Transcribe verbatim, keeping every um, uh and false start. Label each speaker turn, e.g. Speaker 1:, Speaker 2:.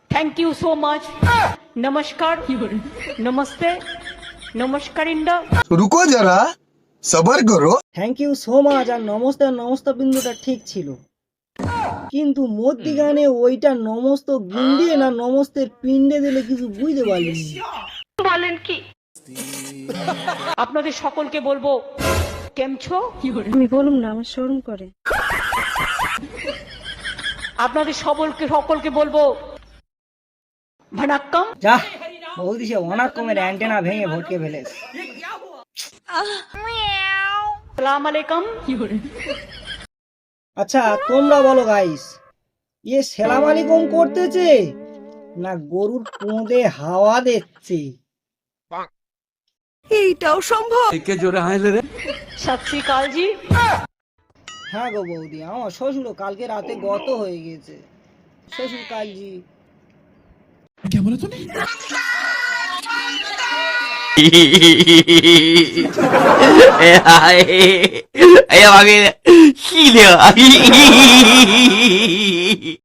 Speaker 1: Thank you so much. नमस्कार, नमस्ते, नमस्कार इंडा।
Speaker 2: रुको जरा सबर करो।
Speaker 3: থ্যাংক ইউ সো মাচ আর নমস্তে আর নমস্তে বিন্দুটা ঠিক ছিল, কিন্তু মধ্যিখানে ওইটা নমস্ত গুন্ডিয়ে না নমস্তের পিণ্ডে দিলে কিছু বুঝতে পারলিনি।
Speaker 1: বলেন কি? আপনাদের সকলকে বলবো কেমছো।
Speaker 4: আমি বলুম না, আমার শরম করে।
Speaker 1: আপনাদের সকলকে সকলকে বলবো ভানাক্কাম।
Speaker 3: যা বৌদি, সে অনার কমের অ্যান্টেনা ভেঙে ভটকে ফেলেছে।
Speaker 1: সালাম আলাইকুম।
Speaker 3: আচ্ছা তোমরা বলো গাইস, ইয়ে সেলাম আলাইকুম করতেছে না গরুর পোঁদে হাওয়া দিচ্ছে?
Speaker 1: সত শ্রী কাল জি।
Speaker 3: হ্যাঁ গো বৌদি, আমার শ্বশুর কালকে রাতে গত হয়ে গেছে। শ্বশুর কালজি
Speaker 5: 哎呀妈给，气的。